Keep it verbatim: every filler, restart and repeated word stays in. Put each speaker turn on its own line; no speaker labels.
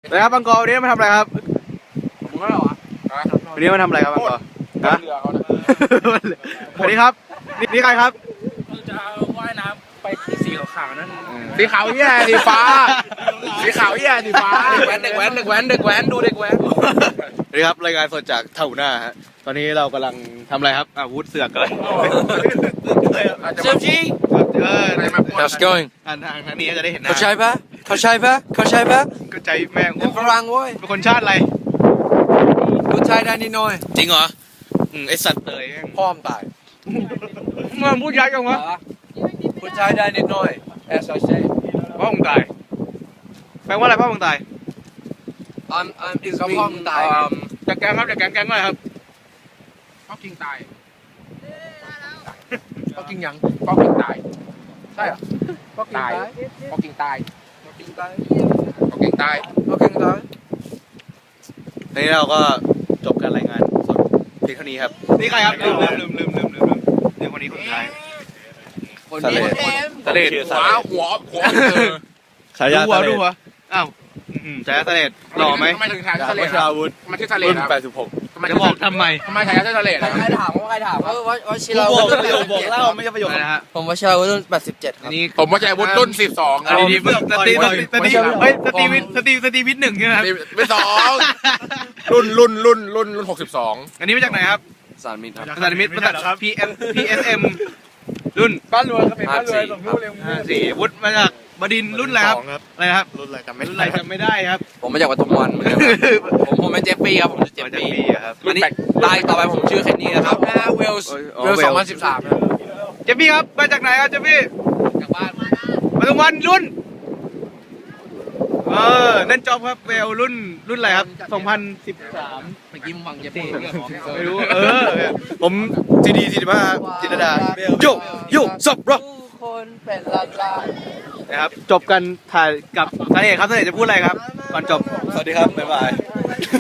นะครับบังกอวันนี้มาทำอะไรครับ
ผมก็เหรอวะ
วันนี้มาทำอะไรครับบังกอ
ฮะ
ฮะ
เรือเขาเนี่ย
สวัสดีครับนี่นี่ใครครับ
จะว่ายน้ำไปที่สีขาวๆนั่น
สีขาวแย่สีฟ้า สีขาวแย่สีฟ้าเด็กแว้นเด็กแว้นเด็กแว้นเด็กแว้นดูเด็กแว้น
สวัสดีครับรายงานสดจากเท่าหน้าฮะตอนนี้เรากำลังทำอะไรครับอาวุธเสือกเลย
เซฟจี
เออ
How's it going
ทางทางทางนี้จะได้เห็นหน้า
เข้าใจปะเข้าใจปะเข้าใจปะ
ก็ใจแม่ง
เป็นฝรั่งเว้ย
เป็นคนชาติอะไร
พูดไทยได้นิดหน่อย
จริงเหรออืมไอสัตว์เตยแม่ง
พ่อมตาย
มันพูดยักษ์จังวะ
พูดไทยได้นิดหน่อย as I say
พ่อมึงตายแปลว่าอะไรพ่อมึงตาย
I'm I'm is พ่อมตาย
จัดแกงครับจัดแกงแกงอะไรครับ
เขากินตาย
เขากินยัง
เขากินตาย ใช่เหรอ
เขากิน
ตาย
ตาย
เขากินตาย
เขากินตาย
เขากินตาย
เขากินตาย
ทีนี้เราก็จบการรายงานสดเพียงเท่านี้ครับนี่ใครครับลืมลืมลืมลืมลืมลืมเนี่ยคนนี้คนสุดท้าย
คน
ทะเล
นี้
ทะเล
หัวหัวหัว
ฉายาดูหัวดูหัวอ้าวอืมฉายาทะเลหล่อไหม
ทำไมถึงถ่ายทะเล
วัชราวุธ
ทำไมชื่อทะเล
รุ่น
ครับ
แปดสิบหก
ทำไม
จะบอกทำไม
ทำไมถ่ายชื่อทะเลครับ
ใครถามว่าใครถามว่าว่าว่าชิลา
บ
วุ
อก
ธ
ประโยคบอกเล่าไม่ใช่ประโยคนะฮะ
ผมว่าชิลาวุธรุ่นแปดสิบเจ็ดค
อั
รับ
นนี้
ผมว่าใจวุฒิรุ่นสิบสอง
อันนี้สตีสตีสตีเฮ้ยสตีวิทสตีสตีวิทหนึ่งใช่ไหมครับ
ไม่สองรุ่นรุ่นรุ่นรุ่นรุ่นหกสิบสอง
อันนี้มาจากไหนครับ
สารมิตรครับ
ภาษามิตรภาษา พี เอ็ม พี เอส เอ็ม รุ่น
บ้านรวยครับเป็นบ้านรวยสมรู้เร็ว
ห้าสี่วุฒิมาจากบดินทร์รุ่นอะไรครับอะไรนะครับ รุ่นอะไรจำไม่รุ่นอะไรจำไม่ได้ครับ
ผมมาจากวัดตงวันเหมือนกันครับผมผมเป็นเจฟฟี่ครับผมชื่อเจฟ
มาจาก
ฟี่
ปีอะครับ
อันนี้ตายต่อไปผมชื่อเคนนี่นะครับเวลส์
อ๋อ
เวล
Wales
สองพันสิบสามครับ
เจฟฟี่ครับมาจากไหนครับเจฟฟี่
จากบ้าน
ปทุมวันรุ่นเออนั่นจอบครับเวลรุ่นรุ่นอะไรครับสองพันสิบสาม
เมื่อกี้มึงฟังเจฟฟี่
ไม่รู้เออผมจีดีสี่สิบห้าจิตรดาโยโยสับรอ
ผู้คนเป็นล้านล้าน
นะครับจบกันถ่ายกับเสน่ห์ครับเสน่ห์จะพูดอะไรครับก่อนจบ
สวัสดีครับ บ๊ายบาย